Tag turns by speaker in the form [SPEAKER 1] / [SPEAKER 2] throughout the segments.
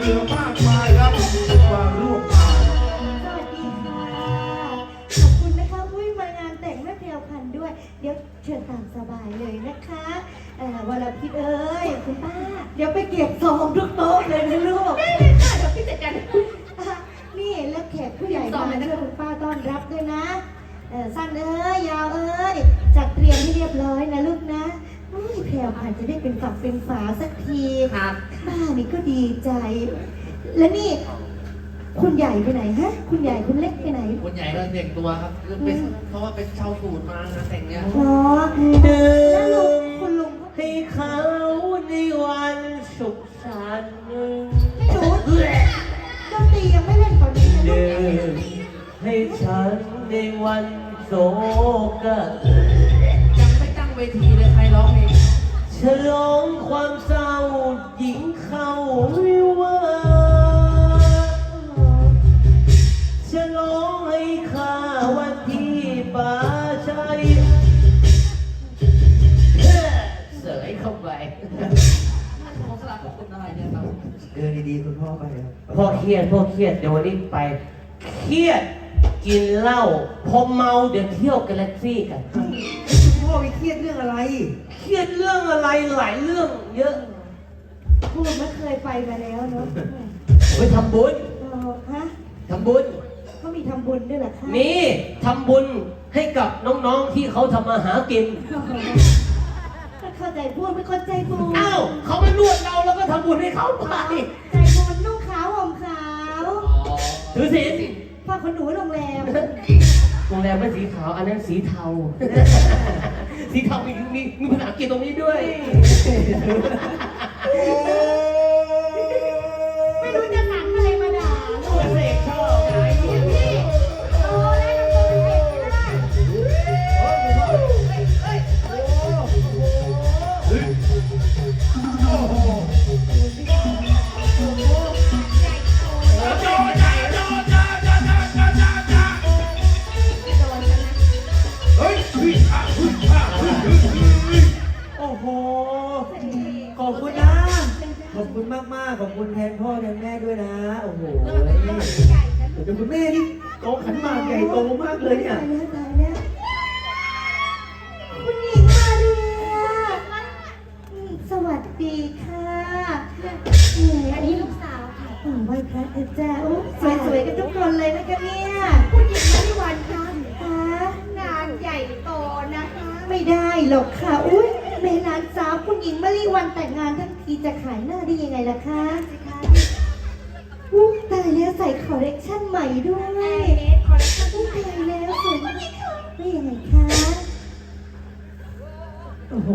[SPEAKER 1] ลือมากมายครับมาร่วมงาน
[SPEAKER 2] สวัสดีค่ะขอบคุณนะคะอุ้ยมางานแต่งแม่แพรวพันธุ์ด้วยเดี๋ยวเชิญตามสบายเลยนะคะวรพิษเอ้ยคุณป้าเดี๋ยวไปเก็บซองทุกโต๊ะเลยนะลูกได้เลยค่ะเดี๋ยวพี่จัดการนี่แล้วแขกผู้ใหญ่มาช่วยคุณป้าต้อนรับด้วยนะสั้นเอ้ยยาวเอ้ยจัดเตรียมให้เรียบร้อยนะลูกนะแพรวพันธุ์จะได้เป็นฝักเป็นฝาสักทีครับป้านี่ก็ดีใจแล้วนี่คุณใหญ่ไปไหนฮะคุณใหญ่คุณเล็กไปไหน
[SPEAKER 3] คนใหญ่ก็แต่งตัวครับเพราะว่าเป็นชาวสูตรมางานแต่งเนี้ย
[SPEAKER 2] อ๋อแล้วลุงคุณลุง
[SPEAKER 4] ให้เขาในวันสุขสันต์
[SPEAKER 2] ไม่รู้ดนตรียังไม่เล่นตอนนี้นะลูก
[SPEAKER 4] ให้ฉันในวันโศก
[SPEAKER 3] ยังไม่ตั้งเวทีเลยใครร้องเพลง
[SPEAKER 4] ฉลองความเศร้าหญิงเข้าวิวาฉลองให้ข้าวันที่ป่าชัยเสยเข้าไป
[SPEAKER 3] ขอสลับขอบคุณอะไรเนี่ยครับ
[SPEAKER 1] เดินดีๆคุณพ่อไปครับ
[SPEAKER 4] พ่อเครียดเดี๋ยววันนี้ไปเครียดกินเหล้าพอเมาเดี๋ยวเที่ยวกาแล็กซี่กัน
[SPEAKER 1] คุณพ่อไปเครียดเรื่องอะไร
[SPEAKER 4] เครียดเรื่องอะไรหลายเรื่องเยอะ
[SPEAKER 2] พูดไม่เคยไปมาแล้วเนาะ
[SPEAKER 4] ไปทำบุญ
[SPEAKER 2] ฮะ
[SPEAKER 4] ทำบุญ
[SPEAKER 2] เขามีทำบุญด้วยเหรอคะ
[SPEAKER 4] มีทำบุญให้กับน้องๆที่เขาทำมาหากิน
[SPEAKER 2] เข้าใจพูดไม่เข้าใจบุญ
[SPEAKER 4] อ้าวเขามานวดเราแล้วก็ทำบุญให้เขาไป
[SPEAKER 2] ใจบุญนุ่งขาวห่มขาว
[SPEAKER 4] ถือศีล
[SPEAKER 2] ฝากคนหนูโรงแรม
[SPEAKER 4] ไม่สีขาวอันนั้นสีเทาสีเทามีภาษาอังกฤษตรงนี้ด้วย
[SPEAKER 2] ไม่รู้จะหนังอะไรมาด่าลูก
[SPEAKER 4] เสกชอบไง
[SPEAKER 2] พี่โอ้ได้ทำตัวเป็นเอกไม่ได้
[SPEAKER 1] โอ้โหขอบคุณนะขอบคุณมากๆขอบคุณแทนพ่อแทนแม่ด้วยนะโอ้โหเดี๋ยวคุณแม่นี่โตขันหมากใหญ่โตมากเลยเนี่ย
[SPEAKER 2] ตายแล้วคุณหญิงมาเรียสวัสดีค่ะอันนี้ลูกสาวค่ะไหว้พระเถอะจ้าสวยๆกันทุกคนเลยนะคะเนี่ยคุณหญิงมาริวันค่ะงานใหญ่โตนะคะไม่ได้หรอกค่ะอุ้ยแม่หลานสาวคุณหญิงมาริวันแต่งงานทั้งทีจะขายหน้าได้ยังไงล่ะคะตายแล้วใส่คอลเลกชันใหม่ด้วยคอลเลกชันตายแล้วสวยไม่ยังไงคะโอ้โห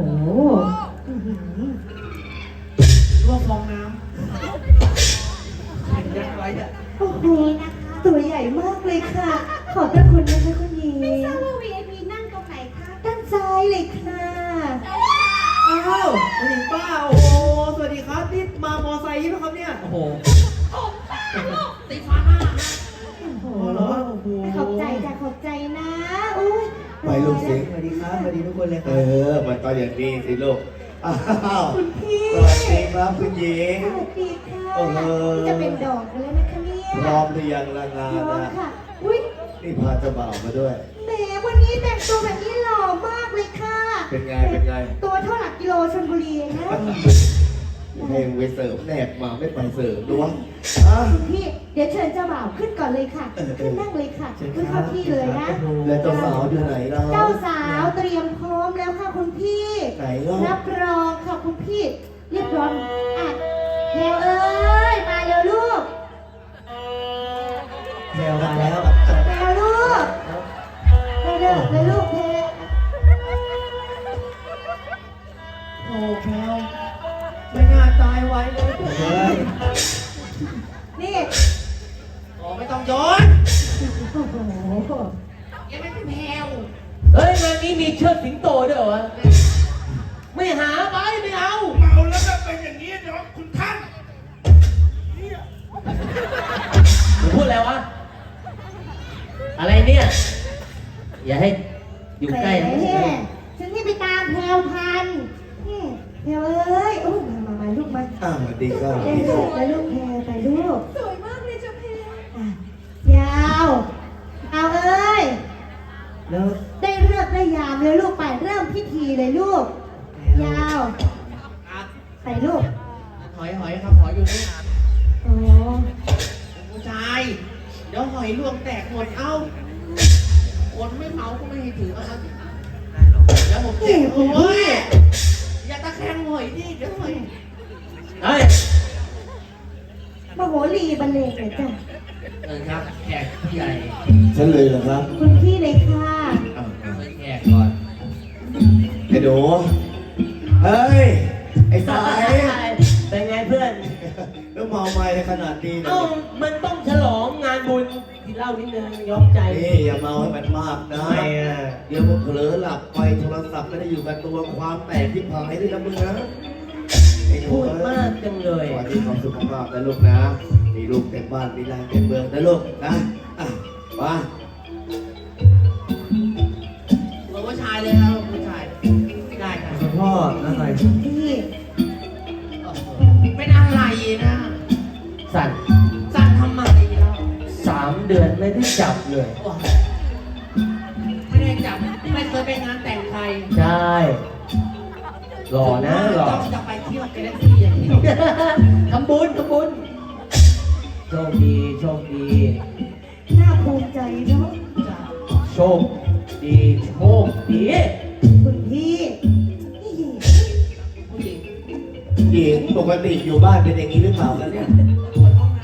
[SPEAKER 1] ว่าฟองน้ำเห็นยักษ์ไว้อะ
[SPEAKER 2] โอ้โหตัวใหญ่มากเลยค่ะขอบพระคุณนะคะคุณหญิงไม่ทราบว่า VIP นั่งตรงไหนคะด้านซ้ายเลยค่ะ
[SPEAKER 1] อ้าวคุณหญิงป้าโอ้โหสวัสดีครับนี่มามอไซค์ใช่ไหมครับเนี่ยโอ้โห
[SPEAKER 3] ตีฟ้าหน้านะ
[SPEAKER 2] โอ้โหขอบใจจ้ะขอบใจนะอุ้ย
[SPEAKER 1] ไปลูกเสียงสวัสดีครับสวัสดีทุกคนเลยครับ
[SPEAKER 5] มันก็อย่างนี้สิลูกอ้าว
[SPEAKER 2] คุณพี่
[SPEAKER 5] สวัสดีครับคุณหญิง
[SPEAKER 2] สวัสดีค่ะจะเป็นดอกกันแล้วนะคะเนี่ย
[SPEAKER 5] พร้อมหรือยังละงานนะ
[SPEAKER 2] ค่ะอุ้ย
[SPEAKER 5] นี่พาเจ้าบ่าวมาด้วย
[SPEAKER 2] แหมวันนี้แต่งตัวแบบนี้หล่อมากเลยค่ะ
[SPEAKER 5] เป็นไง
[SPEAKER 2] ตัวเท่าหลักกิโลชลบุรีนะ
[SPEAKER 5] เพลงไปเสิร์ฟแนบมาไม่ไปเสิร์ฟด้วย
[SPEAKER 2] พี่เดี๋ยวเชิญเจ้าบ่าวขึ้นก่อนเลยค่ะขึ้นนั่งเลยค่ะขึ้นเข้าที่เลยนะ
[SPEAKER 5] แล้วเจ้าสาวอยู่ไหนเรา
[SPEAKER 2] เจ้าสาวเตรียมพร้อมแล้วค่ะคุณพี่
[SPEAKER 5] ไหนเล่า
[SPEAKER 2] รับรองค่ะคุณพี่เรียบร้อยอ่ะแพรวเอ้ยมาเร็วลูก
[SPEAKER 1] แพรวมาแล้ว
[SPEAKER 2] แพรวลูกเร็วเลยลูกแพร
[SPEAKER 1] โอ้แพรวไม่น่าตายไว้เลย
[SPEAKER 2] นี่
[SPEAKER 3] ไม่ต้องย้อน
[SPEAKER 2] โอ้โห
[SPEAKER 3] ยังไม่เป็นแพรว
[SPEAKER 4] เฮ้ยงานนี้มีเชิดสิงโตด้วยเหรอวะไม่หาไปไม่เอา
[SPEAKER 5] เมาแล้วจะเป็นอย่างนี้เดี๋ยวคุณท่าน
[SPEAKER 4] พูดอะไรวะอะไรเนี่ยอย่าให้อยู่ใกล้
[SPEAKER 2] ฉันนี่ไปตามแพรวพันธุ์แพรวเอ้ยโอ้มาลูกมา
[SPEAKER 5] สวัสดีครับ
[SPEAKER 2] ไปลูกแพรไปลูก
[SPEAKER 3] อยลวงแตกหมดเอ้าคนไม่เมาก็ไม่ให้ถือเอามาแล้วผมเจ็บโอ้ยอย่าตะแคงหอยดิเดี๋ยวหอย
[SPEAKER 4] เฮ้ย
[SPEAKER 2] มโหรีบรรเลงเลยจ้ะ
[SPEAKER 3] ครับแขกผู้ใหญ่
[SPEAKER 5] ฉันเลยเหรอครับ
[SPEAKER 2] คุณพี่เลยค่ะ
[SPEAKER 3] แขกก่อน
[SPEAKER 5] ไอ้หนูเฮ้ย ไอ้สาย
[SPEAKER 4] เป็นไงเพื่อน
[SPEAKER 5] แล้วเมาไม้ในขนาดนี้นะ
[SPEAKER 4] เอ้ามันต้องฉลองงานบุญกินเหล้านิดนึงยอมใจ
[SPEAKER 5] นี่อย่าเมาให้มันมากนะ
[SPEAKER 4] ไม่อะ
[SPEAKER 5] เดี๋ยวผมเผลอหลับไปโทรศัพท์ไม่ได้อยู่กับตัวความแตกที่พายด้วยนะมึงนะไอ้หนู
[SPEAKER 4] พูดมากจังเลย
[SPEAKER 5] สวัสดีความสุขภาพนะลูกนะมีลูกเต็มบ้านมีหลานเต็มเมืองนะลูกนะอ่ะมา
[SPEAKER 3] เราผู้ชายเลยครับผู้ชายได้ครับ
[SPEAKER 1] คุณพ่ออะไร
[SPEAKER 2] พี่
[SPEAKER 3] เป็นอะไรนะ
[SPEAKER 4] สั่น
[SPEAKER 3] สั่งทำไมเรา
[SPEAKER 4] 3 เดือนไม่ได้จับเลย
[SPEAKER 3] ไม่ได้จับไม่เคยไปงานแต่งใคร
[SPEAKER 4] ใช่หล่อนะหล่อ
[SPEAKER 3] ต้องจะไปเที่ยวกาแล็กซี่อย่างเดียว
[SPEAKER 4] ทำบุญโชคดีโชคดี
[SPEAKER 2] น่าภูมิใจเนาะ
[SPEAKER 4] โชคดีโชคดี
[SPEAKER 2] คุณพี่นี่
[SPEAKER 3] ผู้หญิง
[SPEAKER 5] หญิงปกติอยู่บ้านเป็นอย่างนี้หรือเปล่ากันเนี่ย
[SPEAKER 3] ปวดห้องน้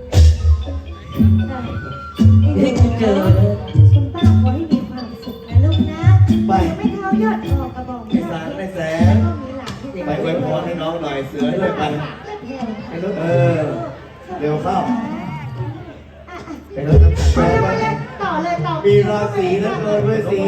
[SPEAKER 4] นี่กูเจอเลย
[SPEAKER 2] คุณป้าขอให้มีความสุขนะลูกนะไม่เท้ายอดออกกระบอก
[SPEAKER 5] ไอ้สารไอ้แสง
[SPEAKER 2] ก็มีหลานที่
[SPEAKER 5] ไปอวยพรให้น้องหน่อยเสือด้วยไปเออเร็วเข้า
[SPEAKER 4] ไปรถน้ำตาล
[SPEAKER 2] ต่อเลยต่อ
[SPEAKER 5] มีราศีนะเกินด้วยสี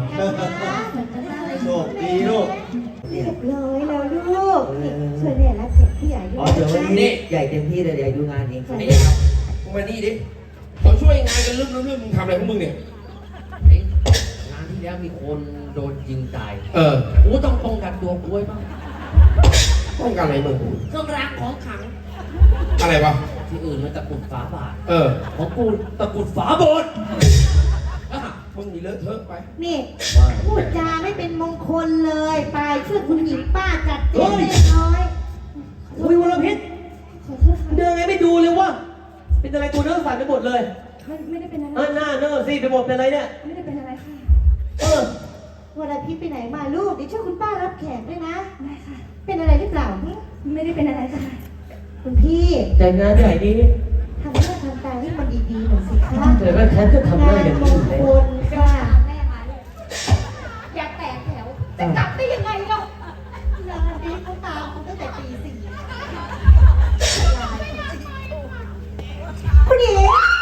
[SPEAKER 5] โชคดีลูก
[SPEAKER 2] เรียบร้อยแล้วลูกช่วยเนี่ยรับแขกผู้ใหญ่ด้ว
[SPEAKER 1] อ๋อย เดี๋ยววันนี้ใหญ่เต็มที่เลยเดี๋ยวดูงานเอง
[SPEAKER 6] ไอ้ครับมึงมานี่ดิเขาช่วยงานกันเรื่องมึงทำอะไรของมึงเนี่ย
[SPEAKER 3] ำเอ๊ะงานที่แล้วมีคนโดนยิงตาย
[SPEAKER 6] เออ
[SPEAKER 3] กูต้องป้องกันตัวกูไว้บ้าง
[SPEAKER 6] ต้องการอะไรมึง
[SPEAKER 3] เครื่องรางของขลัง
[SPEAKER 6] อะไรวะ
[SPEAKER 3] ที่อื่นมันตะกรุดฝาบาท
[SPEAKER 6] เออ
[SPEAKER 3] ของกูตะกรุดฝาโบสถ์อ่ะ
[SPEAKER 6] มึงมีเลอะเทอะไป
[SPEAKER 2] นี่พูดจาไม่เป็นมงคลเลยไปช่วยคุณหญิงป้าจัดเจ๊เล็กน้อย
[SPEAKER 4] อุ้ยวรพิษเดินไงไม่ดูเลยวะเป็นอะไรตัวเนื้อสั่นไปหมดเลย
[SPEAKER 2] ไม่ได้เป็นอะไร
[SPEAKER 4] หน้าเนื้อสิไปหมดเป็นอะไรเนี่ย
[SPEAKER 2] ไม่ได้เป็นอะไรค่ะ
[SPEAKER 4] เออ
[SPEAKER 2] วันอาทิตย์ไปไหนมาลูกเดี๋ยวช่วยคุณป้ารับแขกด้วยนะได้ค่ะ เป็นอะไรหรือเปล่าไม่ได้เป็นอะไรค่ะคุณพี่
[SPEAKER 4] แต่งานใหญ่นี้
[SPEAKER 2] ทำหน้าทำตาให้มันดีๆหน่อยสิคะ
[SPEAKER 4] เดี๋ยวแม่แทนจะทำได้
[SPEAKER 2] งาน
[SPEAKER 4] อย่าง
[SPEAKER 2] ม
[SPEAKER 4] นี้
[SPEAKER 2] ง
[SPEAKER 4] เลย
[SPEAKER 2] คลค่ะ
[SPEAKER 7] แม่มาเลยอย่าแตกแถว จะกลับได้ยังไงเนาะงานนี้เขาตามเขาตั้งแต่ตี 4
[SPEAKER 2] คุณหญิง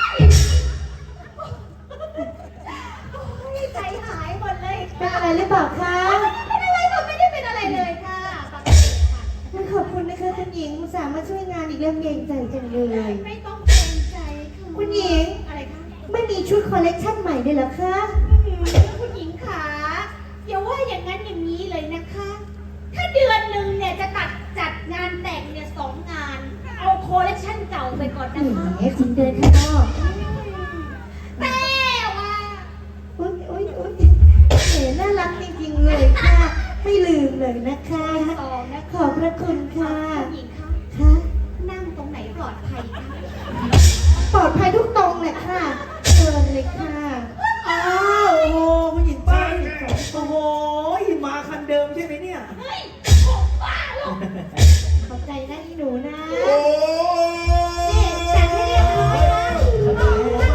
[SPEAKER 7] ใจหายหมดเลย
[SPEAKER 2] เป็นอะไรหรือเปล่าคะ
[SPEAKER 7] เป็นอะไรคะไม่ได้เป็นอะไรเลยค่ะ
[SPEAKER 2] ขอบคุณนะคะคุณหญิงอุตส่าห์มาช่วยงานอีกเรื่องเกรงใจจังเลย
[SPEAKER 7] ไม่ต้องเกรงใจค่ะ
[SPEAKER 2] คุณหญิง
[SPEAKER 7] อะไรคะ
[SPEAKER 2] ไม่มีชุดคอลเลกชันใหม่เลยเหรอคะ
[SPEAKER 7] คุณหญิงขาอย่าว่าอย่างนั้นอย่างนี้เลยนะคะ ถ้าเดือนหนึ่งเนี่ยจะจัดงานแต่งเนี่ย2 งาน เอาโคเลคชันเก่าไปก่อน
[SPEAKER 2] แห
[SPEAKER 7] นะคะ
[SPEAKER 2] มคุณเดินข้างนอก
[SPEAKER 7] แต่ว่า
[SPEAKER 2] อุ๊ยอุ๊ยอุ๊ยแหมน่ารักจริงๆเลยค่ะ ไม่ลืมเลยนะคะ
[SPEAKER 7] 2 นะ
[SPEAKER 2] ขอบพระคุณค่ะ
[SPEAKER 7] คุณหญิงคะ
[SPEAKER 2] ค่ะ
[SPEAKER 7] นั่งตรงไหนปลอดภัยคะ
[SPEAKER 2] ปลอดภัยทุกตรงเลยค่ะเชิญเลยค่ะ
[SPEAKER 1] อ้าวโอ้โหผู้หญิงป้าโอ้โหมาคันเดิมใช่ไหมเนี่ย
[SPEAKER 7] เฮ้ยผมบ้าหรอก
[SPEAKER 2] ขอบใจนะอีหนูนะ
[SPEAKER 6] โอ้
[SPEAKER 2] นี่จัดให้เรียบร้อยนะ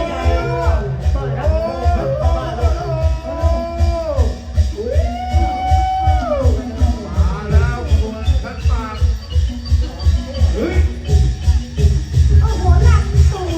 [SPEAKER 6] มาแล้วคนขันหมากเฮ้ย
[SPEAKER 2] โอ้โหหลังสวย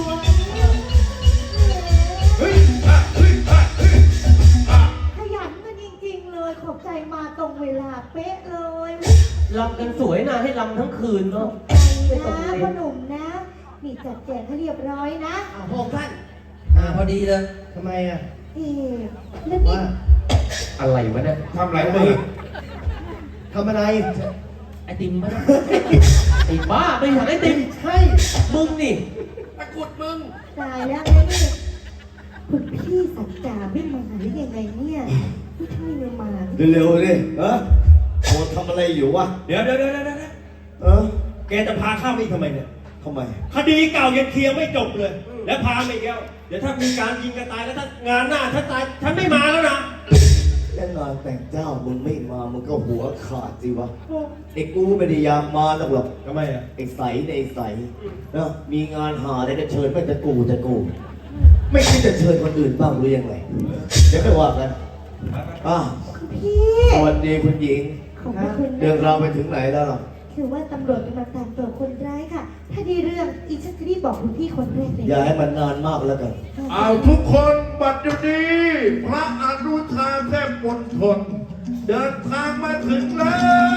[SPEAKER 6] เฮ้ยอ่ะเฮ้ยอ่ะเฮ้ยอ่ะ
[SPEAKER 2] ขยันกันจริงๆเลย ขอบใจมาตรงเวลาเป๊ะเลย
[SPEAKER 4] ลำกันสวยนะให้ลำทั้งคืนเนาะ
[SPEAKER 2] ใจนะพ่อหนุ่มนะ นี่จัดแจงให้เรียบร้อยนะ
[SPEAKER 3] อ้าวพระองค์ท่านพอดีเลย
[SPEAKER 5] ทำไมอ่ะ
[SPEAKER 2] เอ๊ะแล้วนี่
[SPEAKER 5] ว่า
[SPEAKER 4] อะไรวะเนี่ย
[SPEAKER 6] ทำอะไรมึง
[SPEAKER 5] ทำอะไร
[SPEAKER 3] ไอติมมั้ย
[SPEAKER 4] ไอ้บ้าไปหาไอ้ติม
[SPEAKER 5] ใช่
[SPEAKER 4] มึงนี่
[SPEAKER 6] ตะกรุดมึง
[SPEAKER 2] ตายแล้วนะนี่คุณพี่สัจจาไม่มาหรือยังไงเนี่ยไม่ใช่ไม่มา
[SPEAKER 5] เร็วๆดิเออโอ้ทำอะไรอยู่วะ
[SPEAKER 8] เดี๋ยว
[SPEAKER 5] เออ
[SPEAKER 8] แกจะพาข้ามาอีกทำไมเนี่ย
[SPEAKER 5] ทำไม
[SPEAKER 8] คดีเก่ายังเคลียร์ไม่จบเลยแล้วพามาอีกแล้วเดี๋ยวถ้ามีการยิงกันตายแล้วถ้างานหน้าฉันตายฉันไม่มาแล้วนะ
[SPEAKER 5] แค่งานแต่งเจ้ามึงไม่มามึงก็หัวขาดสิวะไอ้กูไม่ได้อยากมาหรอก
[SPEAKER 8] ทำไมอ่ะ
[SPEAKER 5] ไอ้ใสในไอ้ใสนะมีงานหาได้ก็เชิญไม่จะกูไม่คิดจะเชิญคนอื่นบ้างหรือยังไงเดี๋ยวค่อยว่ากัน
[SPEAKER 2] พี่
[SPEAKER 5] สวัสดีคุณหญิง
[SPEAKER 2] ขอบพระคุณ
[SPEAKER 5] เรื่อง
[SPEAKER 2] นะ
[SPEAKER 5] ราวไปถึงไหนแล้วล่ะ
[SPEAKER 2] คือว่าตำรวจกำลังตามตัวคนร้ายค่ะ ถ้าได้เรื่องอีฉันจะรีบบอกคุณพี่คนแรกเลย
[SPEAKER 5] อย่าให้มันนานมากแล้วกัน
[SPEAKER 6] เอาทุกคนบัดเดี๋ยวนี้พระอนุชาแทบมณฑลเดินทางมาถึงแล้ว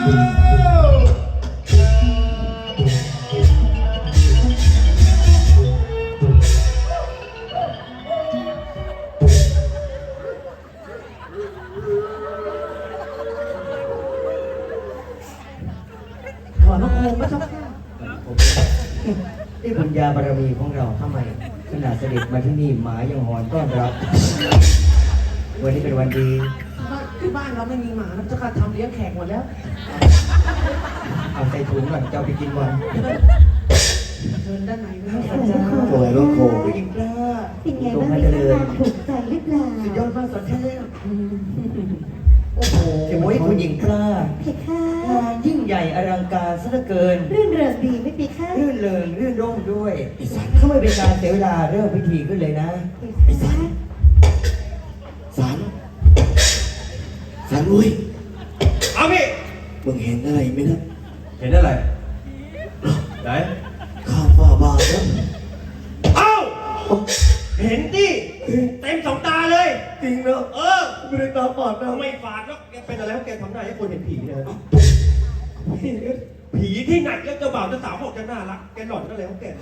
[SPEAKER 1] ขอพระโคมพระเจ้าค่ะนี่บุญญาบารมีของเราทำไมขนาดเสด็จมาที่นี่หมายังหอนต้อนรับ วันนี้เป็นวันดี
[SPEAKER 3] ที่บ้านเราไม่มีหมานะเจ้าค่ะทำเลี้ยงแขกหมดแล้ว
[SPEAKER 1] เอาใส่ถุงก่อนจะเอาไปกินวัน
[SPEAKER 3] เชิญด้านในนะ
[SPEAKER 2] ขอบพระคุณ
[SPEAKER 5] สวยลูกโค
[SPEAKER 1] ผู้หญิงกล้า
[SPEAKER 2] เป็นไงบ้างมีงานถูกใจหรือเปล่า
[SPEAKER 1] สุดยอดมากสอนเทพโอ้โหผู้หญิงกล้า
[SPEAKER 2] เพคะ
[SPEAKER 1] งานยิ่งใหญ่อลังการซะเหลือเกิน
[SPEAKER 2] รื่นเริงดีไม่ปีค่ะ
[SPEAKER 1] รื่นเริงรื่นร่มด้วยเขาไม่เป็นการเสียเวลาเริ่มพิธีขึ้นเลยนะ
[SPEAKER 2] เพคะ
[SPEAKER 5] สันอุ้ย
[SPEAKER 8] เอาพี่
[SPEAKER 5] มึงเห็นอะไรไหมนะ
[SPEAKER 8] เห็นอะไรไหน
[SPEAKER 5] ข้ามฟ้าบาทแล้ว
[SPEAKER 8] เอ้าเห็นดิเต็มสองตาเลย
[SPEAKER 5] จริงนะ
[SPEAKER 8] เออ
[SPEAKER 5] ไม่ได้ตาฝาดนะ
[SPEAKER 8] ไม่ฝาดแล้วแกเป็นอะไรแล้วแกทำได้ให้คนเห็นผีเนี่ยผีที่ไหนแล้วเจ้าบ่าวเจ้าสาวบอกจะน่ารักแกหล่อนก็แล้วแก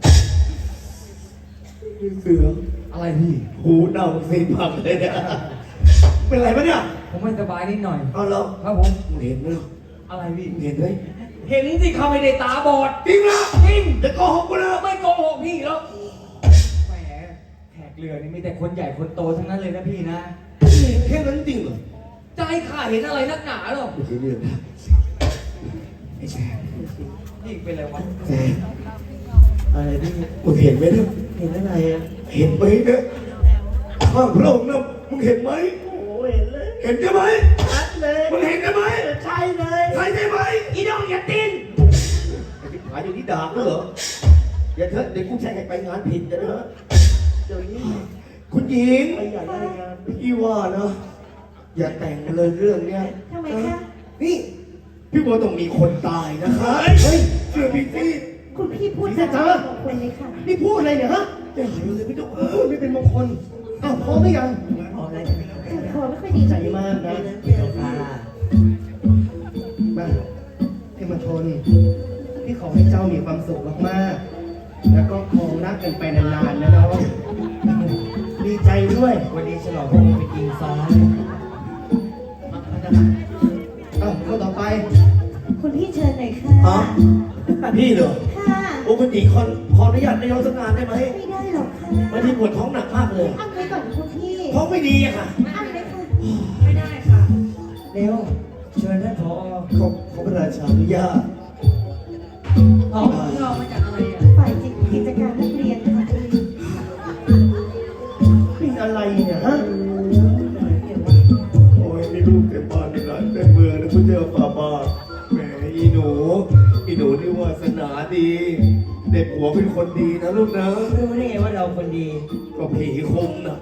[SPEAKER 5] เสือ
[SPEAKER 1] อะไรพี่
[SPEAKER 5] หูเน่าสีผักเลยเนี่ยเป็นไรปะเนี่ย
[SPEAKER 1] ผมไม่สบายนิดหน่อย
[SPEAKER 5] เอาแล้ว
[SPEAKER 1] ครับผม
[SPEAKER 5] มึงเห็นไหม
[SPEAKER 1] อะไรพี่
[SPEAKER 5] มึงเห็นไหม
[SPEAKER 1] เห็นสิเขาไม่ได้ตาบอด
[SPEAKER 5] จริงนะ
[SPEAKER 1] จริง
[SPEAKER 5] จะโกหกกูนะ
[SPEAKER 1] ไม่โกหกพี่แล้วแหมแขกเรือนี่มีแต่คนใหญ่คนโตทั้งนั้นเลยนะพี่นะ
[SPEAKER 5] แค่นั้นจริงเหรอ
[SPEAKER 1] จะให้ข้าเห็นอะไรนักหนาหรอ
[SPEAKER 5] ไม่ใช่เรื่องนะไอ้แซม
[SPEAKER 1] นี่เป็นอะไรวะ
[SPEAKER 5] แซม
[SPEAKER 1] อะไรพี่
[SPEAKER 5] มึงเห็นไหมเนี่ย
[SPEAKER 1] เห็นอะไรอ่ะ
[SPEAKER 5] เห็นไหมเนี่ยข้างพระองค์นะมึงเห็นไหม
[SPEAKER 1] โอ้เห็นเลย
[SPEAKER 5] เห็นใช่ไหม
[SPEAKER 1] ชัดเลย
[SPEAKER 5] มึงเห็นใช่ไหม
[SPEAKER 1] ใช่เลย
[SPEAKER 5] ใช่ใช่ไหม
[SPEAKER 1] อีน้องอย่าตีน
[SPEAKER 5] ไอ้ที่หายอยู่ที่ดาบด้วยเหรออย่าเถอะเดี๋ยวกูแช่งให้ไปงานผิดกันนะเดี๋ยวนี้คุณหญิง
[SPEAKER 1] ไปใหญ่ได้งาน
[SPEAKER 5] พี่ว่านะอย่าแต่งเลยเรื่องเนี้ย
[SPEAKER 2] ทำไมคะ
[SPEAKER 5] นี่พี่ว่าต้องมีคนตายนะคะเฮ้ยเชื่อพี่สิ
[SPEAKER 2] คุณพี่พูดจาของคนเลยค่ะ
[SPEAKER 5] นี่พูดอะไรเนี่ยฮะอย่าหายเลยพี่ต้องไม่เป็นมงคลอ้าวพร้อมหรือยัง
[SPEAKER 1] พออะไร
[SPEAKER 2] ขอไม่ค่อยดี
[SPEAKER 5] ใจมากนะ
[SPEAKER 1] เดี๋ยวค่ะ
[SPEAKER 9] มาพี่มาชนพี่ขอให้เจ้ามีความสุขมากๆ แล้วก็คงรักกันไปนานๆนะน้องดีใจด้วย
[SPEAKER 1] วันนี้ฉลองพระองค์เป็นอิงฟ้า
[SPEAKER 9] อ้าวคนต่อไป
[SPEAKER 2] คุณพี่เชิญหน่อยค่ะ
[SPEAKER 5] อ๋อพี่เหรอ
[SPEAKER 2] ค่ะ
[SPEAKER 5] โอ้คุณหญิงขออนุญาตนายกสักงานได้ไหม
[SPEAKER 2] ไม่ได้หรอกค่ะ
[SPEAKER 5] บางทีปวดท้องหนักมากเลย
[SPEAKER 2] อั้นไว้ก่อนคุณพี่
[SPEAKER 5] ท้องไม่ดีอะค่ะ
[SPEAKER 2] อั้นเลยค่ะ
[SPEAKER 3] ไม่ได้ค่ะ
[SPEAKER 1] เร็วเชิญท่านผอ
[SPEAKER 5] ขอพระราชาอนุญาต
[SPEAKER 3] อ๋อเรามาจากอะไรอ่ะ
[SPEAKER 2] ฝ่ายกิจการนักเรียนค่ะ
[SPEAKER 9] เป็นอะไรเนี่ยฮะ
[SPEAKER 5] โอ้ยมีลูกเต็มบ้านเต็มร้านเต็มเมืองนะคุณเจ้าฝ่าบาทแหมอีหนูนี่วาสนาดีเด็กหัวเป็นคนดีนะลูกนะ
[SPEAKER 1] รู้ได้ไงว่าเราคนดี
[SPEAKER 5] ก็ผีคุมนะ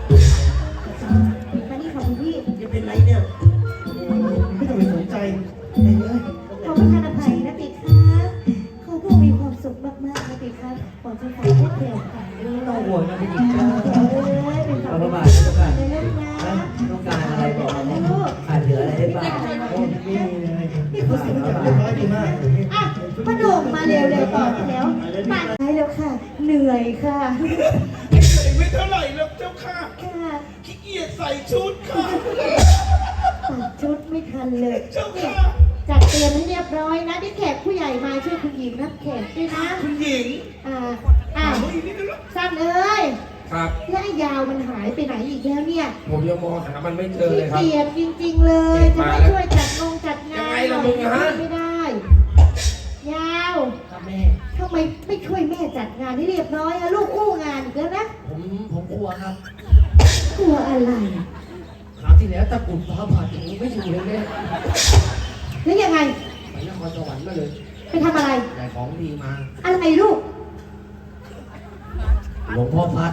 [SPEAKER 2] มานี่ค่ะคุณพี่
[SPEAKER 1] จะเป็นไรเนี่ย
[SPEAKER 9] ไม่ต้องไปสนใจไปเลย
[SPEAKER 2] ขอประทานอภัยนะปีคะขอผู้มีความสุขมากๆนะปีคะขอจะฝากพวกเดียวกันด้วย
[SPEAKER 1] ต้องห่วงนะผู้หญิงจ้า
[SPEAKER 2] เป็น
[SPEAKER 1] เอา
[SPEAKER 2] ค
[SPEAKER 1] พ
[SPEAKER 2] วา
[SPEAKER 1] ระ
[SPEAKER 2] ม
[SPEAKER 1] บาทนะเจ้าค่ะ
[SPEAKER 2] เป็นเรื่องนะ
[SPEAKER 1] ต้องการอะไรบอกมาขาดเหลืออะไรได้บ้าง
[SPEAKER 9] ไม่มีเลย
[SPEAKER 2] นี่คุณสิงห์
[SPEAKER 9] เรียบร้อยดีมาก
[SPEAKER 2] อ่ะพ่อหนุ่มมาเร็วๆต่อแล้วมาได้แล้วค่ะ เหนื่อยค่ะ
[SPEAKER 6] ไม่เท่าไหร่หรอกเจ้าค่ะ
[SPEAKER 2] ค่ะ
[SPEAKER 6] ขี้เกียจใส่ชุดค่ะ
[SPEAKER 2] ตัดชุดไม่ทันเลย
[SPEAKER 6] เจ้าค่ะ
[SPEAKER 2] จัดเตรียมให้เรียบร้อยนะที่แขกผู้ใหญ่มาช่วยคุณหญิงรับแขกด้วยนะ
[SPEAKER 6] คุณหญิง
[SPEAKER 2] เฮ้ยนี่นะสั้นเอ้ย
[SPEAKER 6] ครับ
[SPEAKER 2] และไอ้ยาวมันหายไปไหนอีกแล้วเนี่ย
[SPEAKER 6] ผมยังมองหามันไม่เจอ
[SPEAKER 2] ขี้
[SPEAKER 6] เลยครับ
[SPEAKER 2] เกียจจริงๆเลย จะ
[SPEAKER 6] มา
[SPEAKER 2] มา
[SPEAKER 6] แล้ว
[SPEAKER 2] ช่วยจัดงาน
[SPEAKER 6] ยังไงล่ะมึงฮะ
[SPEAKER 2] ไม่ได้ ยาว
[SPEAKER 1] ครับแม่
[SPEAKER 2] ทำไมไม่ช่วยแม่จัดงานให้เรียบร้อยอะลูกอู้งานอีกแล้วนะ
[SPEAKER 3] ผมกลัวครับ
[SPEAKER 2] กลัวอะไร
[SPEAKER 3] คราวที่แล้วตะกรุดฟ้าผ่าอย่างนี้ไม่อยู่เลยแม่
[SPEAKER 2] แล้วยังไง
[SPEAKER 3] ไปนครสวรรค์มาเลย
[SPEAKER 2] ไปทำอะไร
[SPEAKER 3] ได้ของดีมา
[SPEAKER 2] อะไรลูก
[SPEAKER 3] หลวงพ่อพัด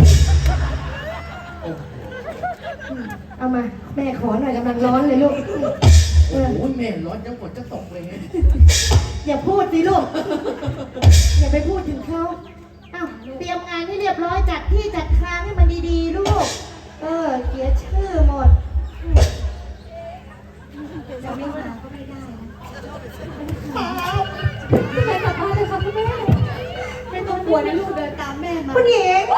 [SPEAKER 2] เอามา แม่ขอหน่อยกำลังร้อนเลยลูกเออ
[SPEAKER 3] โอ้ยแม่ร้อนยังฝนจะตกเลยไง
[SPEAKER 2] อย่าพูดสิลูก อย่าไปพูดถึงเขาอ้าวเตรียมงานให้เรียบร้อยจัดที่จัดทางให้มันดีๆลูก เสียชื่อหมด จะไม่มาก็ไม่ได้นะแม่กลับบ้านเลยค่ะคุณแม่ไม่ต้องกลัวนะลูกเดินตามแม่มาคุณหญิง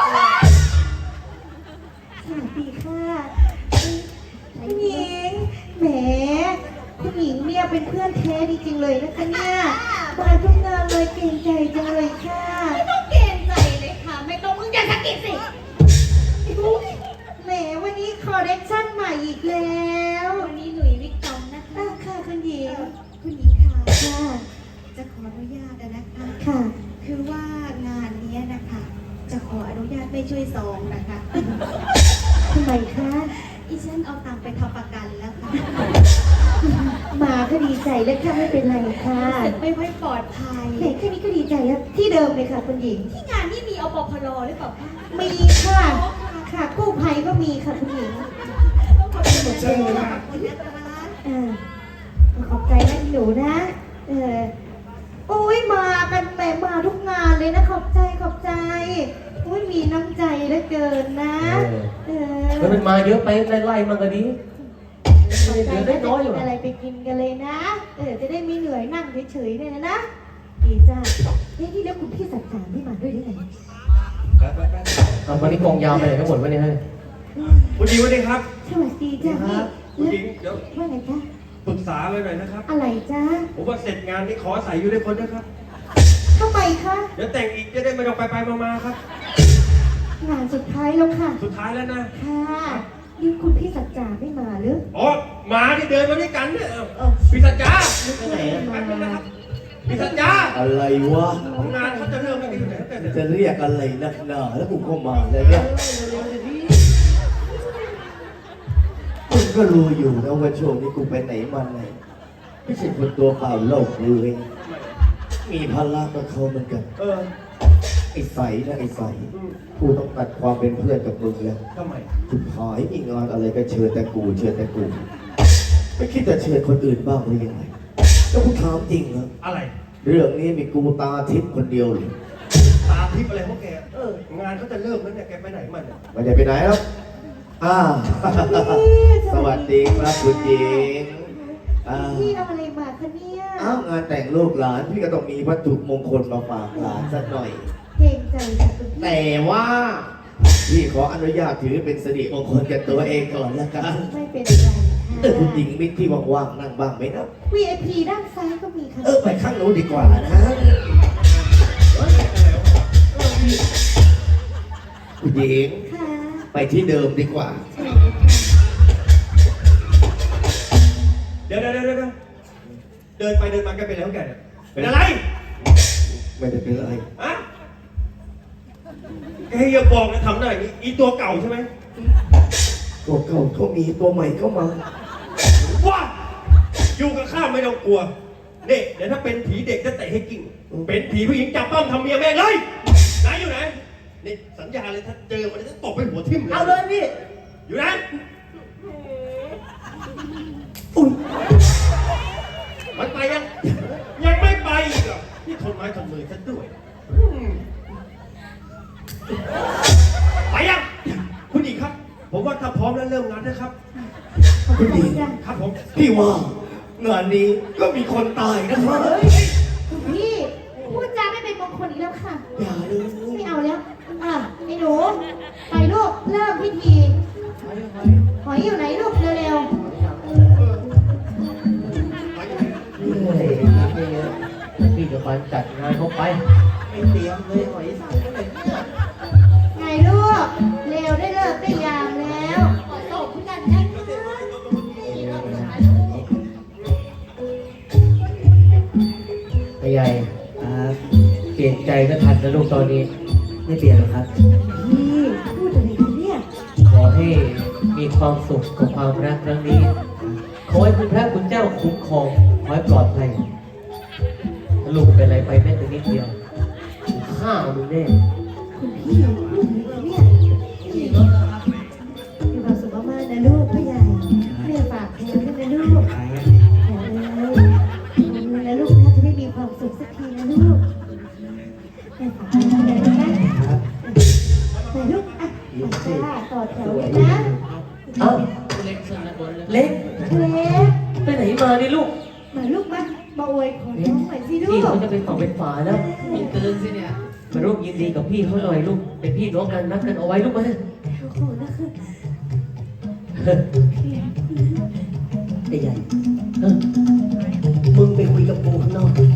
[SPEAKER 2] สวัสดีค่ะคุณหญิงแหมคุณหญิงเนี่ยเป็นเพื่อนแท้จริงๆเลยนะคะเนี่ยมาทุกงานเลยเก่งใจจังเลยค่ะ
[SPEAKER 7] ไม่ต้องเกรงใจเลยค่ะ ไม่ต้องมึงอย่าสะกิดสิ
[SPEAKER 2] แหมวันนี้คอลเลคชั่นใหม่อีกแล้ว
[SPEAKER 7] วันนี้หนุ่ยวิกตอมนะคะ
[SPEAKER 2] ค่ะคุณหญิง
[SPEAKER 7] คุณหญิงค่ะ
[SPEAKER 2] ค่ะ
[SPEAKER 7] จะขออนุญาตนะคะ
[SPEAKER 2] ค่ะ
[SPEAKER 7] คือว่างานเนี้ยนะคะ จะขออนุญาตไม่ช่วยซองนะคะ
[SPEAKER 2] ทำไมคะ
[SPEAKER 7] อีฉันเอาตังค์ไปทำประกันแล้วค่ะ
[SPEAKER 2] มาก็ดีใจแล้วค่ะไม่เป็นไรค่ะ
[SPEAKER 7] รู้สึกไม่ค่อยปลอดภัย
[SPEAKER 2] แหมแค่นี้ก็ดีใจแล้วที่เดิมเลยค่ะคุณหญิง
[SPEAKER 7] ที่งานนี่มีอปพลหรือเปล่าคะ
[SPEAKER 2] มีค่ะ ค่ะกู้ภัยก็มีค่ะคุณหญิง
[SPEAKER 7] ขอบคุณนะคะขอบคุณนะคะ
[SPEAKER 2] ขอบใจนะหนูนะโอ้ยมากันแหมมาทุกงานเลยนะขอบใจขอบใจโอ้ยมีน้ำใจเหลือเกินนะ
[SPEAKER 4] แล้วมันมาเยอะไปไล่ๆมันก็ดี
[SPEAKER 2] ขอบใจ
[SPEAKER 4] เหลือได้
[SPEAKER 2] นะ
[SPEAKER 4] น้อยอยู่
[SPEAKER 2] จะ
[SPEAKER 4] อะ
[SPEAKER 2] อะไรไปกินกันเลยนะ จะได้ไม่เหนื่อยนั่งเฉยๆเนี่ยนะดีจ้าที่แล้วคุณพี่สัจจาไม่มาด้วยได้ไง
[SPEAKER 4] เอาวันนี้กองยาวไปไหนกันหมดวะเนี่ยเฮ้ย
[SPEAKER 8] คุณหญิงสวัสดีครับ
[SPEAKER 2] สวัสดีจ้าพี่
[SPEAKER 8] คุณหญิงเดี๋ยว
[SPEAKER 2] ว่าไงจ้า
[SPEAKER 8] ปรึกษาเลยหน่อยนะครับ
[SPEAKER 2] อะไรจ้า
[SPEAKER 8] ผมว่าเสร็จงานนี้ขอใส่อยู่ในคนนะครับ
[SPEAKER 2] ทำไมคะ
[SPEAKER 8] เดี๋ยวแต่งอีกจะได้ไม่ต้องไปมาๆครับ
[SPEAKER 2] งานสุดท้ายแล้วค่ะ
[SPEAKER 8] สุดท้ายแล้วนะ
[SPEAKER 2] ค่ะนี่คุณพี่สัจจาไม่มาหรือ
[SPEAKER 8] อ๋อหมาที่เดินมาด้วยกันเนี่ยพี่สัจจา
[SPEAKER 2] ไม่
[SPEAKER 8] แป๊บนึง
[SPEAKER 2] มา
[SPEAKER 8] นะครับพี่สัจจา
[SPEAKER 5] อะไรวะ
[SPEAKER 8] ของงานเขาจะเริ่มไม่ดีอยู่ไหนแต่เนี่ย
[SPEAKER 5] จะเรียกอะไรนักหนาแล้วกูเข้ามาเลยเนี่ยมึงก็รู้อยู่นะว่าช่วงนี้กูไปไหนมาไหนไม่ใช่คนตัวเปล่าโลกเลยมีภาระกับเขาเหมือนกัน ไอ้ใสนะไอ้ใสกูต้องตัดความเป็นเพื่อนกับมึงแล้ว
[SPEAKER 8] ทำไม
[SPEAKER 5] คุณหายมีงานอะไรก็เชิญแต่กูเชิญแต่กูไม่คิดจะเชิญคนอื่นบ้างหรือยังไงแล้วกูถามจริงนะ
[SPEAKER 8] อะไร
[SPEAKER 5] เรื่องนี้มีกูตาทิพย์คนเดียวเลย
[SPEAKER 8] ตาทิพย์อะไรของแกงานเขาจะเริ่มแล้วเนี่ยแกไปไหนมันเนี่ย
[SPEAKER 5] ไม่ได้ไปไหนแล้วสวัสดีครับคุณหญิง
[SPEAKER 2] พี่เอาอะไรมาคะเนี่ย
[SPEAKER 5] งานแต่งลูกหลานพี่ก็ต้องมีวัตถุมงคลมาฝากหลานสักหน่อย
[SPEAKER 2] เก่งใจค่ะคุณพี่
[SPEAKER 5] แต่ว่าพี่ขออนุญาตถือเป็นสิริมงคลกับตัวเองก่อนละกัน
[SPEAKER 2] ไม่เป็นไรค่ะ
[SPEAKER 5] คุณหญิงมิตรที่ว่างๆนั่งบ้างไหมนะ
[SPEAKER 2] VIP ด้านซ้ายก็มีค่ะ
[SPEAKER 5] ไปข้างโน้นดีกว่านะคุณหญิง
[SPEAKER 2] ค่ะ
[SPEAKER 5] ไปที่เดิมดีกว่า
[SPEAKER 8] เดี๋ยวเดินไปเดินมาแกเป็นอะไรของแกเนี่ยเป็นอะไร
[SPEAKER 5] ไม่ได้เป็นอะไร
[SPEAKER 8] อะแกอย่าบอกนะทำหน้าอย่างนี้อีตัวเก่าใช่ไหม
[SPEAKER 5] ตัวเก่าเขามีตัวใหม่เข้ามา
[SPEAKER 8] ว้าอยู่กับข้าไม่ต้องกลัวเนี่ยเดี๋ยวถ้าเป็นผีเด็กจะเตะให้กิ่งเป็นผีผู้หญิงจับป้อมทำเมียแม่งเลยไหนอยู่ไหนนี่สัญญาเลยถ้าเจอมันจะตบไปหัวทิ่มเลย
[SPEAKER 4] เอาเลยพี่
[SPEAKER 8] อยู่ไหนมันไปยังไม่ไปอีกเหรอนี่ทนไม้ทนมือฉันด้วยไปยังคุณหญิงครับ ผมว่าถ้าพร้อมแล้วเริ่มงานนะครับ
[SPEAKER 5] คุณหญิง
[SPEAKER 8] ครับผม
[SPEAKER 5] พี่ว่างานนี้ก็มีคนตายนะครับ
[SPEAKER 2] คุณพี่พูดจาไม่เป็นมงคลอีกแล้วค่ะ
[SPEAKER 5] อย่าเลย
[SPEAKER 2] ไม่เอาแล้วไอ้หนูไปลูกเริ่มพิธีหอยอยู่ไหนลูกเร็ว
[SPEAKER 4] พี่จะไปจัดงานเขาไป
[SPEAKER 3] ไม่เตรียมเลยหอยสังเลยเนี่ย
[SPEAKER 2] ๆไงลูกเร็วได้เลิกได้ยามแล้ว
[SPEAKER 7] ขอตบกันนะคะ
[SPEAKER 4] ไอ้ใหญ่เปลี่ยนใจก็ทันนะลูกตอนนี้
[SPEAKER 1] ไม่เปลี่ยนหรอกครับ
[SPEAKER 2] พี่พูดอะไรกันเนี่ย
[SPEAKER 4] ขอให้มีความสุขกับความรักครั้งนี้ ขอให้คุณพระคุณเจ้าคุ้มครองขอให้ปลอดภัยถ้าลูกเป็นอะไรไปแม้แต่นิดเดียวฆ่ามึงแน่
[SPEAKER 2] คุณพี่พูดอะไรกันเนี่ยมีความสุขมากๆนะลูกพ่อใหญ่แม่ฝากแทนด้วยนะลูกขอเลยนะลูกนะจะได้มีความสุขสักทีนะลูกแม่ฝากแทนด้วยนะแต่ลูกอ่ะต่อแถวเลยนะ
[SPEAKER 4] เอ้า
[SPEAKER 3] เล็กเส้นละบนเลย
[SPEAKER 4] เล็ก
[SPEAKER 2] เล็ก
[SPEAKER 4] ไปไหนมาเนี่ยลูก
[SPEAKER 2] มาลูกมาอวยขอน้องหน่อยสิลู
[SPEAKER 4] พี่
[SPEAKER 2] ก
[SPEAKER 4] เขาจะเป็นฝั่งเป็นฝาแล้ว
[SPEAKER 3] มีเกินสิเนี่ย
[SPEAKER 4] มาร่วมยินดีกับพี่เขาหน่อยลูก เป็นพี่น้องกันรักกันเอาไว้ลูกมา
[SPEAKER 2] โอ้โหนะคือ
[SPEAKER 1] ไอ้ใหญ่
[SPEAKER 4] เออ
[SPEAKER 1] มึงไปคุยกับกูข้างนอก